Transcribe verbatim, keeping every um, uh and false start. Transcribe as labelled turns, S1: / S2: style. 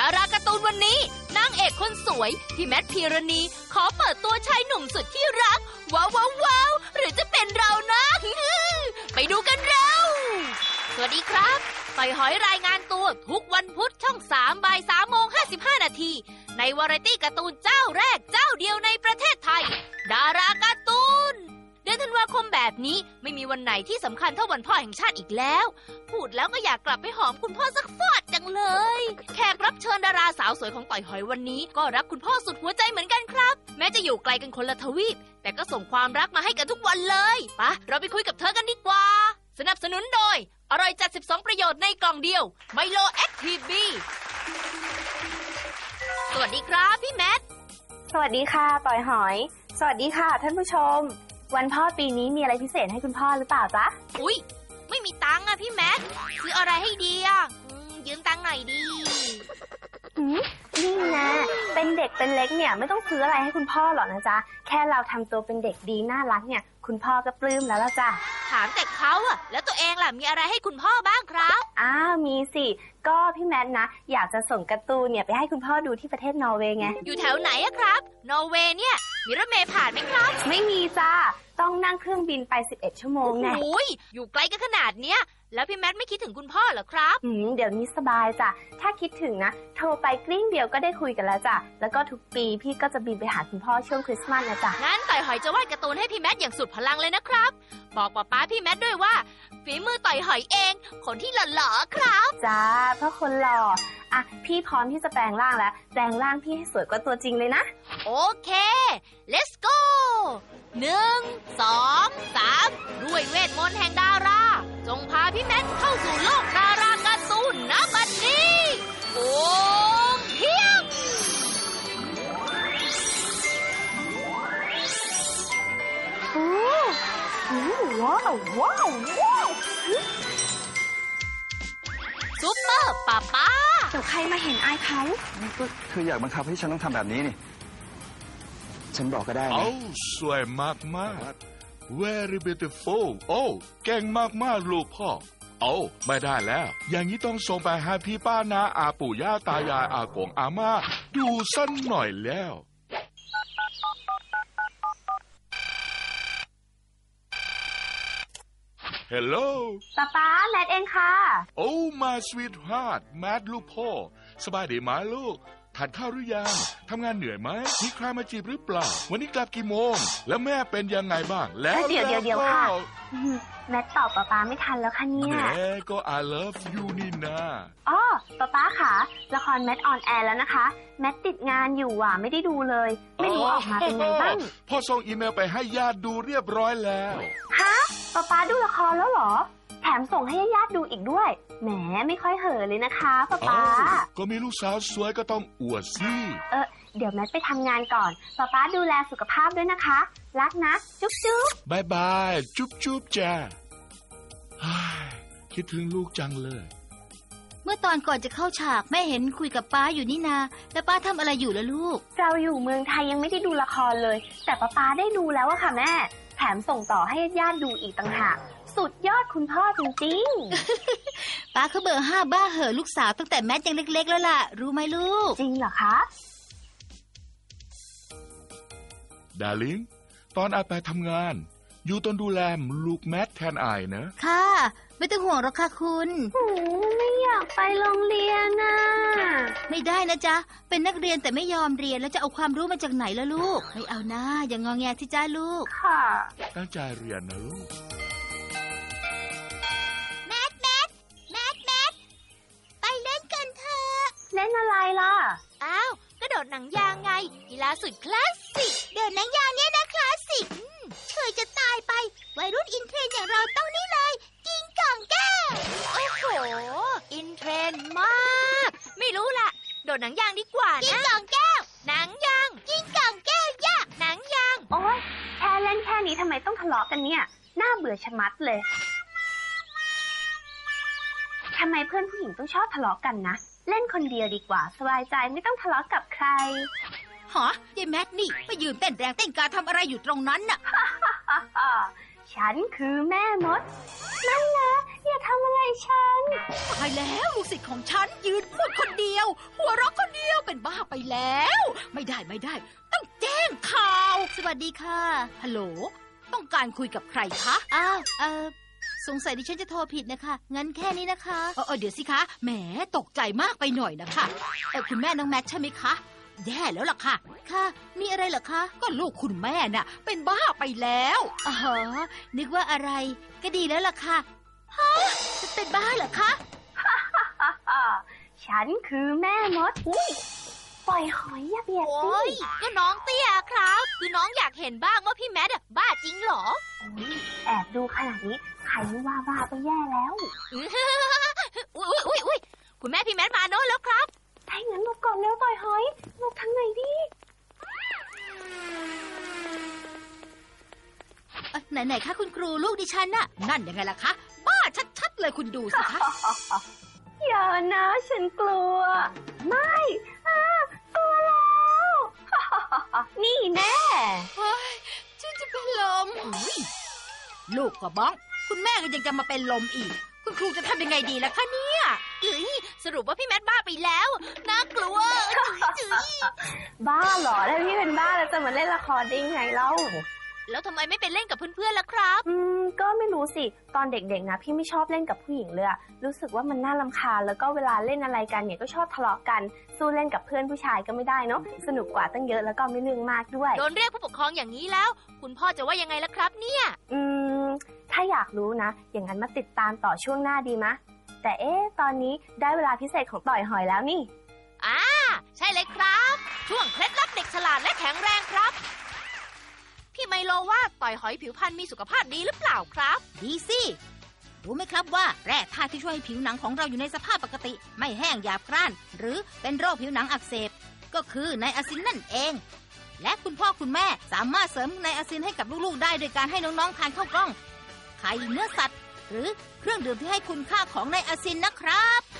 S1: าราการ์ตูนวันนี้นางเอกคนสวยพี่แมทพีรณีขอเปิดตัวชายหนุ่มสุดที่รักว้าวว้าวว้าวหรือจะเป็นเรานะ ไปดูกันเร็วสวัสดีครับต่อยหอยรายงานตัวทุกวันพุธช่องสามบ่ายสามโมงห้าสิบห้านาทีในวาไรตี้การ์ตูนเจ้าแรกเจ้าเดียวในประเทศไทยดาราการ์ตูนเดือนธันวาคมแบบนี้ไม่มีวันไหนที่สำคัญเท่าวันพ่อแห่งชาติอีกแล้วพูดแล้วก็อยากกลับไปหอมคุณพ่อสักฟอดจังเลยแขกรับเชิญดาราสาวสวยของต่อยหอยวันนี้ก็รักคุณพ่อสุดหัวใจเหมือนกันครับแม้จะอยู่ไกลกันคนละทวีปแต่ก็ส่งความรักมาให้กันทุกวันเลยปะเราไปคุยกับเธอกันดีกว่าสนับสนุนโดยอร่อยจัดสิบสองประโยชน์ในกล่องเดียวไมโลแอคทีฟบีสวัสดีครับพี่แมท
S2: สวัสดีค่ะต่อยหอยสวัสดีค่ะท่านผู้ชมวันพ่อปีนี้มีอะไรพิเศษให้คุณพ่อหรือเปล่าจ๊ะ
S1: อุ๊ยไม่มีตังค์อะพี่แมทซื้ออะไรให้ดีอะยืมตังค์หน่อยดี
S2: นี่นะเป็นเด็กเป็นเล็กเนี่ยไม่ต้องซื้ออะไรให้คุณพ่อหรอกนะจ๊ะแค่เราทำตัวเป็นเด็กดีน่ารักเนี่ยคุณพ่อก็ปลื้มแล้วล่ะจ้ะ
S1: ถามแต่เขาอะแล้วตัวเองล่ะมีอะไรให้คุณพ่อบ้างครับ
S2: อ้าวมีสิก็พี่แมทนะอยากจะส่งการ์ตูนเนี่ยไปให้คุณพ่อดูที่ประเทศนอร์เวย์ไง
S1: อยู่แถวไหนอะครับนอร์เวย์เนี่ยมีรถเมล์ผ่านไหมครับ
S2: ไม่มีจ้าต้องนั่งเครื่องบินไปสิบเอ็ดชั่วโมงไง
S1: โอ้ยอยู่ไกลกันขนาดเนี้ยแล้วพี่แมทไม่คิดถึงคุณพ่อเหรอครับ
S2: อืมเดี๋ยวนี้สบายจ้ะถ้าคิดถึงนะโทรไปกลิ้งเดียวก็ได้คุยกันแล้วจ้ะแล้วก็ทุกปีพี่ก็จะบินไปหาคุณพ่อช่วงคริสต์มาสนะจ๊ะ
S1: งั้นต่อยหอยจะวาดการ์ตูนให้พี่แมทอย่างสุดพลังเลยนะครับบอกป๊าป๊าพี่แมทด้วยว่าฝีมือต่อยหอยเองคนที่หล่อๆครับ
S2: จ้าเพราะคนหล่ออ่ะพี่พร้อมที่จะแปลงร่างแล้วแปลงร่างพี่ให้สวยกว่าตัวจริงเลยนะ
S1: โอเค let's go หนึ่ง สอง สามด้วยเวทมนต์แห่งดาราจงพาพี่แมทเข้าสู่โลกดาราการ์ตูนณบัดนี้โอ้เพียง
S2: โอ้ว้าวว้าวว้าว
S1: ซุปเปอร์ป้าป้า
S2: เดี๋ยวใครมาเห็นอายเขา
S3: ก็เธออยากบังคับให้ฉันต้องทำแบบนี้นี่ฉันบอกก็ได้นะ
S4: โอ้สวยมากมาก very beautiful โอ้เก่งมากมากลูกพ่อโอ้ไม่ได้แล้วอย่างนี้ต้องส่งไปให้พี่ป้านาอาปู่ย่าตายายอากงอาม่าดูสักหน่อยแล้วฮัลโหล
S2: ป๊าป๊าแมทเองค่ะ
S4: โอ้ my sweetheart แมทลูกพ่อสบายดีไหมลูกทานข้าวหรือยังทำงานเหนื่อยไหมมีใครมาจีบหรือเปล่าวันนี้กลับกี่โมงแล้วแม่เป็นยังไงบ้างแล้ว
S2: เดี๋ยวเดี๋ยวเดี๋ยวค่ะแมทตอบป๊าป๊าไม่ทันแล้วค่ะเนี่ย
S4: แม่ก็ I love you นี่นะ
S2: อ๋อป๊าป๊าค่ะละครแมทออนแอร์แล้วนะคะแมทติดงานอยู่อ่ะไม่ได้ดูเลยไม่รู้ออกมาเป็นไงบ้าง
S4: พ่อส่งอีเมลไปให้ญาติดูเรียบร้อยแล้ว
S2: ฮะป๊าป๊าดูละครแล้วเหรอแถมส่งให้ญาติดูอีกด้วยแหมไม่ค่อยเห่อเลยนะคะป๊าป๊า
S4: ก็มีลูกสาวสวยก็ต้องอวดสิ
S2: เออเดี๋ยวแมทไปทำงานก่อนป๊าป๊าดูแลสุขภาพด้วยนะคะรักนะจุ๊บจุ๊บบ
S4: ายบายจุ๊บจุ๊บจ้าคิดถึงลูกจังเลย
S1: เมื่อตอนก่อนจะเข้าฉากแม่เห็นคุยกับป้าอยู่นี่นาแล้วป้าทำอะไรอยู่ล่ะลูก
S2: เราอยู่เมืองไทยยังไม่ได้ดูละครเลยแต่ป๊าป๊าได้ดูแล้วอะค่ะแม่แถมส่งต่อให้ญาติดูอีกต่างหากสุดยอดคุณพ่อจริง
S1: ๆป้าเขาเบอร์ห้าบ้าเห่อลูกสาวตั้งแต่แมทยังเล็กๆแล้วล่ะรู้ไหมลูก
S2: จริงเหรอคะ
S4: ดาริ่งตอนอาไปทำงานอยู่ต้นดูแลลูกแมทแทนอายนะ
S1: ค่ะไม่ต้องห่วงหรอกค่ะคุณ
S2: โอ้ไม่อยากไปโรงเรียนน่ะ
S1: ไม่ได้นะจ๊ะเป็นนักเรียนแต่ไม่ยอมเรียนแล้วจะเอาความรู้มาจากไหนล่ะลูกไม่เอานะอย่างงอแงที่จ้าลูก
S2: ค่ะ
S4: ตั้งใจเรียนนะลูก
S1: แมทแมทแมทแมทไปเล่นกันเถอะ
S2: เล่นอะไรล่ะ
S1: อ้าวกระโดดหนังยางไงกีฬาสุดคลาสสิกเดินหนังยางเนี่ยนะคลาสสิกเคยจะตายไปวัยรุ่นอินเทรนด์อย่างเราต้องนี่เลยกิ้งก่องแก้วโอ้โหอินเทรนด์มากไม่รู้ล่ะโดดหนังยางดีกว่านะกิ้งก่องแก้วหนังยางกิ้งก่องแก้วยะหนังยาง
S2: โอ๊ยแค่เล่นแค่นี้ทำไมต้องทะเลาะกันเนี่ยน่าเบื่อชะมัดเลยทำไมเพื่อนผู้หญิงต้องชอบทะเลาะกันนะเล่นคนเดียวดีกว่าสบายใจไม่ต้องทะเลาะกับใคร
S1: หรอยายแมทนี่ไปยืนเต้นแรงเต้นกาทำอะไรอยู่ตรงนั้นน่ะ
S2: ฉันคือแม่มดนั่นนะอย่าทำอะไรฉัน
S1: ตายแล้วลูกศิษย์ของฉันยืนพูดคนเดียว หัวเราะคนเดียวเป็นบ้าไปแล้ว ไม่ได้ไม่ได้ ต้องแจ้งข่าว สวัสดีค่ะฮัลโหลต้องการคุยกับใครคะอ้าวเออสงสัยดิฉันจะโทรผิดนะคะงั้นแค่นี้นะคะเออเออเดี๋ยวสิคะแหมตกใจมากไปหน่อยนะคะเออคุณแม่น้องแม็กใช่ไหมคะแย่แล้วล่ะค่ะค่ะมีอะไรเหรอคะก็ลูกคุณแม่น่ะเป็นบ้าไปแล้วอ๋อนึกว่าอะไรก็ดีแล้วล่ะค่ะฮะจะเป็นบ้าเหรอคะ
S2: ฉันคือแม่มดอุ้ยปล่อยหอยอย่าเบียดสิ
S1: โอ้ยก็น้องเตี้ยครับคือน้องอยากเห็นบ้างว่าพี่แมทอะบ้าจริงเหรอ
S2: อุ๊ยแอบดูขนาดนี้ใครไม่ว่าบ้าก็แย่แล้ว
S1: อุ้ยอุ้ยอุ้ยอุ้ยคุณแม่พี่แมทมาโน่นแล้วครับ
S2: ให้เงินหลบก่อนแล้วต่อยหอยหลบทางไหนดี
S1: ไหนไหนคะคุณครูลูกดิฉันน่ะนั่นยังไงล่ะคะบ้าชัดๆเลยคุณดูสิคะ
S2: อย่านะฉันกลัว ไม่อ่ากลัวแล้ว นี่แน่
S1: เฮ้ยฉันจะเป็นลมอุ้ยลูกก็บ้องคุณแม่ก็ยังจะมาเป็นลมอีกคุณครูจะทำยังไงดีล่ะคะเนี่ยเฮ้ยสรุปว่าพี่แมทบ้าไปแล้วน่ากลัวจื้อ
S2: บ้าเหรอแล้วพี่เป็นบ้าแล้วจะมาเล่นละครได้ไงเล่า
S1: แล้วทำไมไม่ไปเล่นกับเพื่อนๆล่ะครับ
S2: อืมก็ไม่รู้สิตอนเด็กๆนะพี่ไม่ชอบเล่นกับผู้หญิงเลยอะรู้สึกว่ามันน่ารำคาญแล้วก็เวลาเล่นอะไรกันเนี่ยก็ชอบทะเลาะกันสู้เล่นกับเพื่อนผู้ชายก็ไม่ได้เนาะสนุกกว่าตั้งเยอะแล้วก็ไม่เรื่องมากด้วย
S1: โดนเรียกผู้ปกครองอย่างนี้แล้ว คุณพ่อจะว่ายังไงล่ะครับเนี่ย
S2: อืมถ้าอยากรู้นะอย่างนั้นมาติดตามต่อช่วงหน้าดีมะแต่เอ๊ะตอนนี้ได้เวลาพิเศษของต่อยหอยแล้วนี่
S1: อ่าใช่เลยครับ ช่วงเคล็ดลับเด็กฉลาดและแข็งแรงครับพี่ไมโลว่าต่อยหอยผิวพรรณมีสุขภาพดีหรือเปล่าครับดีสิรู้ไหมครับว่าแร่ธาตุที่ช่วยให้ผิวหนังของเราอยู่ในสภาพปกติไม่แห้งหยาบกร้านหรือเป็นโรคผิวหนังอักเสบก็คือไนอาซินนั่นเองและคุณพ่อคุณแม่สามารถเสริมไนอาซินให้กับลูกๆได้โดยการให้น้องๆทานข้าวกล้องไข่เนื้อสัตว์หรือเครื่องดื่มที่ให้คุณค่าของไนอาซินนะครับ